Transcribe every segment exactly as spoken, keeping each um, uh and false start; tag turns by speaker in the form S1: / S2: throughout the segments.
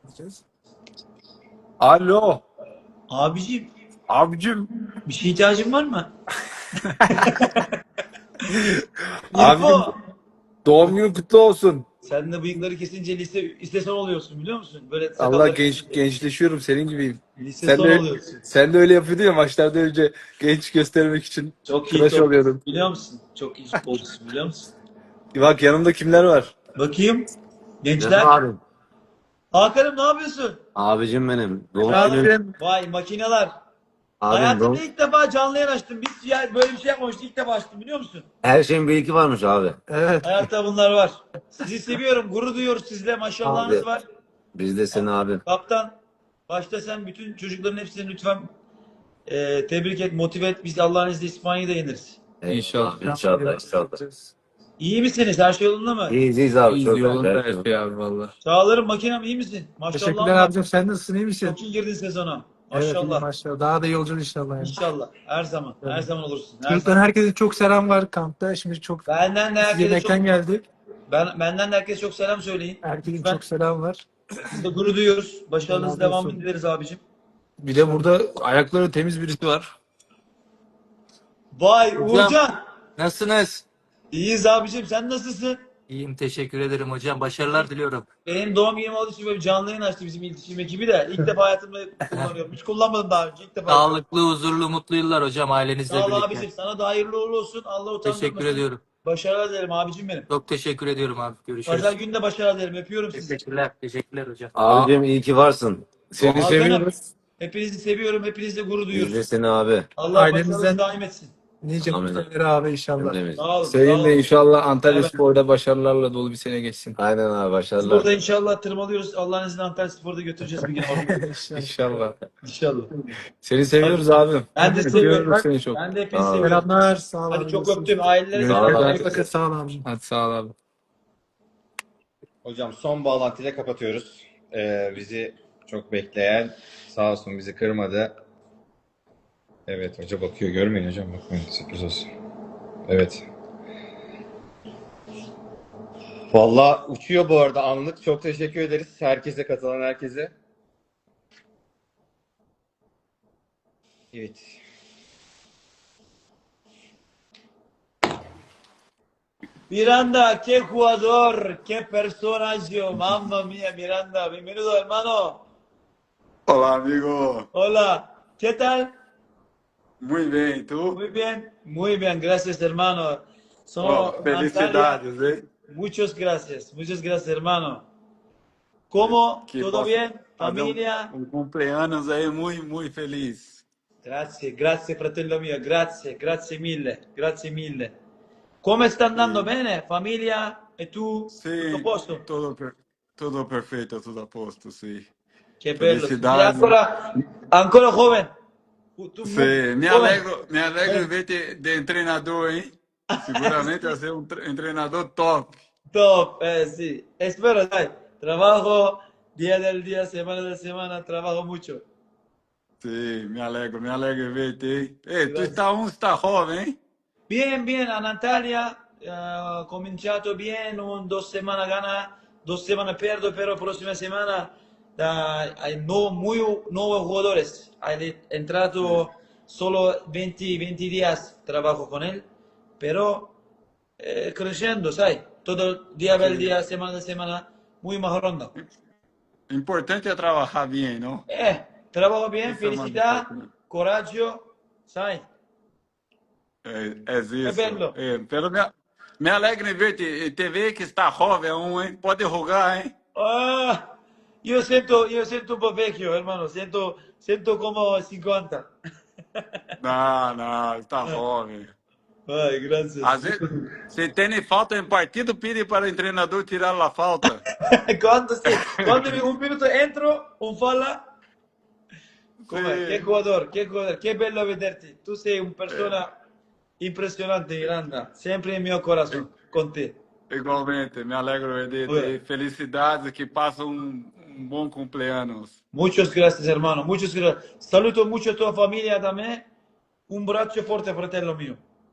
S1: Gideceğiz.
S2: Alo.
S3: Abiciğim
S2: Abicim.
S3: bir şey ihtiyacın var mı?
S2: Abicim
S3: İrfo.
S2: doğum günün kutlu olsun.
S3: Sen de bıyıkları kesince lise, lise son oluyorsun biliyor musun? Böyle
S2: Allah
S3: sakalları
S2: genç
S3: kesince.
S2: gençleşiyorum senin gibiyim.
S3: Lise
S2: Sen
S3: son
S2: de
S3: oluyorsun.
S2: sen de öyle yapıyordun ya maçlarda önce genç göstermek için
S3: Çok iyi
S2: tıraş
S3: futbolcusun
S2: oluyordum.
S3: biliyor musun? Çok iyi futbolcusun biliyor musun?
S2: Bak yanımda kimler var?
S3: Bakayım.
S4: Canım
S3: Gençler.
S4: abim.
S3: Hakan'ım ne yapıyorsun?
S4: Abicim benim.
S2: Ne
S4: Doğum günün.
S2: yapayım?
S3: Vay makineler.
S4: Abim
S3: Hayatımda
S4: doğum.
S3: ilk defa canlı yayın açtım. Biz ya böyle bir şey yapmamıştık. İlk defa açtım biliyor musun?
S4: Her şeyin bir iki varmış abi.
S1: Evet
S3: Hayatta bunlar var. Sizi seviyorum. Gurur duyuyoruz sizle. Maşallahınız
S4: Abi
S3: var.
S4: biz de seni abim.
S3: Kaptan. Başta sen bütün çocukların hepsini lütfen e, tebrik et, motive et. Biz Allah'ın izniyle İspanya'yı da yeniriz.
S2: İnşallah.
S4: Abi, İnşallah inşallah.
S3: İyi misiniz? Her şey yolunda mı?
S4: İyiyiz iyiyiz abi.
S2: İyiyiz
S4: Çok
S2: yolunda
S4: güzel.
S2: her şey abi valla.
S3: Çağlarım makinem iyi misin?
S1: teşekkürler
S3: Maşallahın var.
S1: abicim, sen nasılsın, iyi misin?
S3: Çok iyi girdin sezona.
S1: Evet iyi
S3: Maşallah.
S1: maşallah, daha da iyi olacağız inşallah yani.
S3: İnşallah. Her zaman. Her
S1: Evet.
S3: zaman olursun. Her
S1: Çocuklar
S3: zaman.
S1: herkese çok selam var kampta. Şimdi çok
S3: Benden de
S1: biz
S3: herkese çok
S1: yemekten geldik.
S3: ben benden de herkese çok selam söyleyin.
S1: Herkesin
S3: Lütfen.
S1: çok selam var.
S3: Biz de gurur duyuyoruz.
S1: Allah
S3: Başarınızın
S1: razı
S3: devamını
S1: olsun.
S3: dileriz abicim.
S2: Bir de burada ayakları temiz birisi var.
S3: Vay
S5: Hocam
S3: Uğurcan.
S5: nasılsınız?
S3: İyiyiz abicim. Sen nasılsın?
S5: İyiyim, teşekkür ederim hocam. Başarılar diliyorum.
S3: Benim doğum günüm olduğu için böyle bir canlı yayın açtı bizim iletişim ekibi de. İlk defa hayatımda kullanıyorum. Hiç kullanmadım daha önce. İlk defa yapıyorum.
S5: Sağlıklı, huzurlu, mutlu yıllar hocam ailenizle
S3: Sağ ol
S5: birlikte.
S3: abicim. Sana da hayırlı uğurlu olsun. Allah
S5: Teşekkür
S3: utandırmasın.
S5: ediyorum.
S3: Başarılar dilerim abicim benim.
S5: Çok teşekkür ediyorum abi. Görüşürüz.
S3: Pazar günü de başarılar dilerim. Öpüyorum sizi.
S5: Teşekkürler. Teşekkürler hocam.
S4: Abicim iyi ki varsın.
S2: Seni
S3: Hakan'ım.
S2: seviyoruz.
S3: Hepinizi seviyorum. Hepinizle gurur
S4: Biz de
S3: duyuyoruz.
S4: seni abi.
S3: Allah
S1: Ailemizden-
S3: başarınızı daim etsin.
S1: Nice
S4: Amin.
S1: mutluları abi inşallah.
S4: Cümlemiz.
S3: Sağ olun. Sağ
S2: Senin de
S3: olun.
S2: inşallah Antalya
S3: Evet.
S2: Spor'da başarılarla dolu bir sene geçsin.
S4: Aynen abi
S3: Biz
S4: başarılar.
S3: burada inşallah tırmalıyoruz. Allah'ın izniyle Antalya Spor'da götüreceğiz bir gün.
S1: İnşallah.
S2: İnşallah.
S3: İnşallah.
S2: Seni seviyoruz abim.
S3: Ben de
S2: Öpüyoruz
S3: seviyorum.
S2: seni çok.
S3: Ben de hepinizi
S4: Sağ ol.
S3: seviyorum.
S1: Selamlar, sağ ol.
S3: Hadi
S1: abi,
S3: çok
S1: görüşürüz.
S3: öptüm. Ailelere
S2: Görüşürüz.
S3: selam.
S4: Sağ ol.
S1: İyi bakın, sağ ol abicim.
S2: Hadi sağ ol abi.
S6: Hocam son bağlantıyla kapatıyoruz. Ee, bizi çok bekleyen sağ olsun bizi kırmadı. Evet hoca bakıyor, görmeyin hocam, bakmayın, sürpriz olsun. Evet. Vallahi uçuyor bu arada anlık. Çok teşekkür ederiz herkese, katılan herkese. Evet.
S3: Miranda, qué jugador, qué personaje, mamma mía, Miranda, bienvenido hermano.
S7: Hola amigo,
S3: Hola, ¿qué tal?
S7: muy bien, ¿y tú?
S3: Muy bien, muy bien, gracias hermano. Sono
S7: Oh,
S3: Antalya.
S7: felicidades, ¿eh?
S3: Muchas gracias, muchas gracias hermano. ¿Cómo?
S7: Que
S3: ¿Todo
S7: possa
S3: bien?
S7: fazer um-
S3: ¿Familia?
S7: Um, cumpleaños aí muy, muy feliz.
S3: Grazie, grazie fratello mio, grazie, grazie mille, grazie mille. Come sta andando
S7: Sì.
S3: bene? Famiglia? E tu?
S7: Sì,
S3: Tutto a posto?
S7: tudo, per- tudo perfeito, tudo a posto, sì.
S3: Che bello.
S7: Felicidades.
S3: Sei ancora, ancora giovane. Tu,
S7: Sì, me
S3: giovane.
S7: alegro, me alegro de verte de treinador, hein? Seguramente vai ser um, tre- um treinador top.
S3: Top, eh sì. Espero, dai. Trabajo día del día, semana de semana, trabajo mucho.
S7: Sim, me alegro, me alegro de verte, hein? Ei, tu
S3: Graças.
S7: está um, está jovem, hein?
S3: Bien, bien, a Natalia, eh, cominciato bien, un, dos semanas gana, dos semanas perdo, pero próxima semana eh, hay no, muy nuevos jugadores. Hay entrado solo veinte, veinte días trabajo con él, pero eh, creciendo, ¿sabes? Todo día per
S7: Sim.
S3: día, semana de semana, muy mejorando.
S7: Importante é trabalhar bem, não?
S3: Eh, trabajo bien,
S7: Isso é uma
S3: felicidad,
S7: disciplina.
S3: coraggio, ¿sabes?
S7: É, é isso.
S3: bello.
S7: É, pero me, me alegra em ver te, te ver que está jovem um, hein? Pode rogar, hein?
S3: Ah, yo siento, yo siento un poco vecchio, hermano. Siento, siento como cincuenta.
S7: Não, não, está jovem.
S3: Ay, gracias.
S7: Às vezes, se tem falta em partido, pede para o treinador tirar a falta.
S3: Cuando sí, cuando un minuto entro, un falla. Come,
S7: Sí.
S3: qué jugador, qué jugador, qué bello vederti. Tú sei una persona impresionante, Miranda. Siempre en mi corazón, con te.
S7: Igualmente, me alegro de
S3: Ué.
S7: ter felicidades, que passa um, um bom cumpleaños.
S3: Muchas gracias, hermano. Muchas gracias. Saluto mucho a tu familia también. Un braccio forte, fratello mio.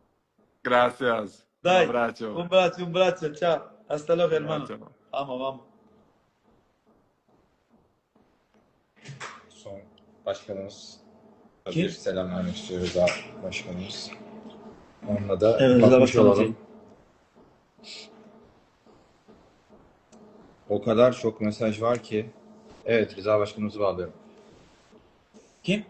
S7: Graças. Um
S3: Dai,
S7: abraço.
S3: un braccio, un braccio. Ciao. Hasta luego, hermano.
S7: Ciao.
S3: Vamos, vamos.
S6: başkanımız.
S3: Kim?
S6: Bir selam vermek istiyor Rıza başkanımız. Onunla da
S3: Evet, Rıza
S6: bakmış
S3: başkanım.
S6: olalım. O kadar çok mesaj var ki. Evet, Rıza başkanımızı bağlıyorum.
S3: Kim?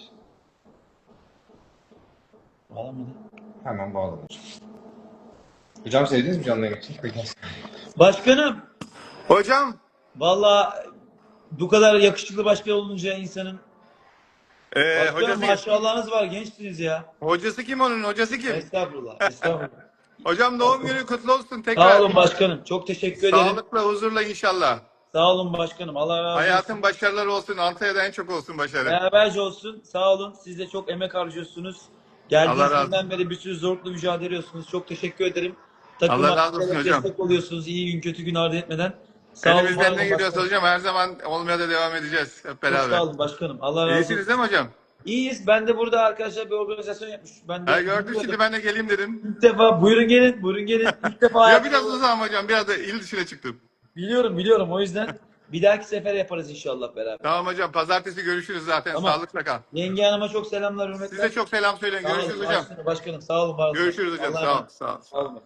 S3: Bağlamadı.
S6: Hemen bağladım hocam. Hocam sevdiniz mi canlı yayın için? Peki.
S3: Başkanım.
S7: Hocam,
S3: Valla bu kadar yakışıklı başkan olunca insanın.
S7: e,
S3: Başkanım
S7: hocası,
S3: maşallahınız var, gençsiniz ya.
S7: hocası kim onun? Hocası kim?
S3: Estağfurullah, estağfurullah.
S7: Hocam doğum günü kutlu olsun
S3: Sağ
S7: tekrar.
S3: olun başkanım. Çok teşekkür ederim.
S7: Sağlıkla, huzurla inşallah.
S3: Sağ olun başkanım. Allah razı olsun.
S7: Hayatın başarıları olsun. Antalya'da en çok olsun başarı.
S3: Beraberce olsun. Sağ olun. Siz de çok emek harcıyorsunuz.
S7: Allah razı
S3: Geldiğinizden
S7: olsun.
S3: beri bir sürü zorlukla mücadele ediyorsunuz. Çok teşekkür ederim. Takıma
S7: Allah razı olsun hocam.
S3: destek oluyorsunuz. İyi gün kötü gün ardı etmeden. Sağ olun. var
S7: Elimizden
S3: olun
S7: ne geliyorsa
S3: başkanım.
S7: hocam her zaman olmaya da devam edeceğiz hep
S3: Çok
S7: beraber.
S3: sağ olun başkanım. Allah razı olsun.
S7: İyisiniz değil mi hocam?
S3: İyiyiz. Ben de burada arkadaşlar bir organizasyon yapmış. Ben de
S7: Ha, gördüm
S3: bilmiyordum.
S7: şimdi ben de geleyim dedim.
S3: İlk defa buyurun gelin, buyurun gelin. İlk defa
S7: Ya biraz uzağım hocam. Biraz da il dışına çıktım.
S3: biliyorum, biliyorum. O yüzden bir dahaki sefer yaparız inşallah beraber.
S7: Tamam hocam. Pazartesi görüşürüz zaten.
S3: Tamam.
S7: Sağlıkla kal.
S3: Yenge Hanım'a çok selamlar, hürmetler.
S7: Size çok selam söyleyin.
S3: Sağ olun,
S7: Görüşürüz hocam.
S3: başkanım, Başkanım sağ olun, var olun.
S7: Görüşürüz hocam.
S3: Allah'a
S7: Sağ olun.
S3: emanet.
S7: Sağ olun.
S3: Sağ olun.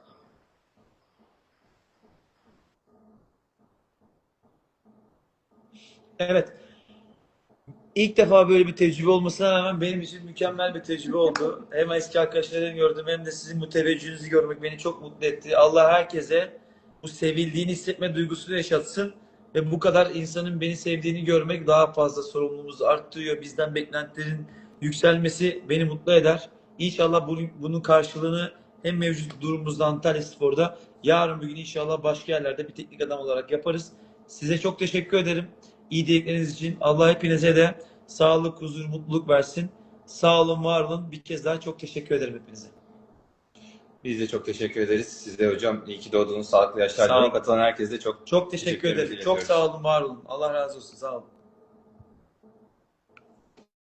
S3: Evet. İlk defa böyle bir tecrübe olmasına rağmen benim için mükemmel bir tecrübe oldu. Hem eski arkadaşlarımı gördüm hem de sizin bu teveccühünüzü görmek beni çok mutlu etti. Allah herkese bu sevildiğini hissetme duygusunu yaşatsın ve bu kadar insanın beni sevdiğini görmek daha fazla sorumluluğumuzu arttırıyor. Bizden beklentilerin yükselmesi beni mutlu eder. İnşallah bunun, bunun karşılığını hem mevcut durumumuzda Antalya Spor'da yarın bir gün inşallah başka yerlerde bir teknik adam olarak yaparız. Size çok teşekkür ederim. İyi dilekleriniz için. Allah hepinize de sağlık, huzur, mutluluk versin. Sağ olun, var olun. Bir kez daha çok teşekkür ederim hepinize.
S6: Biz de çok teşekkür ederiz. Siz de hocam iyi ki doğdunuz. Sağlıklı yaşlar
S3: Sağ olun.
S6: dilerim. Katılan herkese de çok
S3: Çok teşekkür
S6: Teşekkürlerimizi
S3: ederim. Çok
S6: iletiyoruz.
S3: sağ olun, var olun. Allah razı olsun. Sağ olun.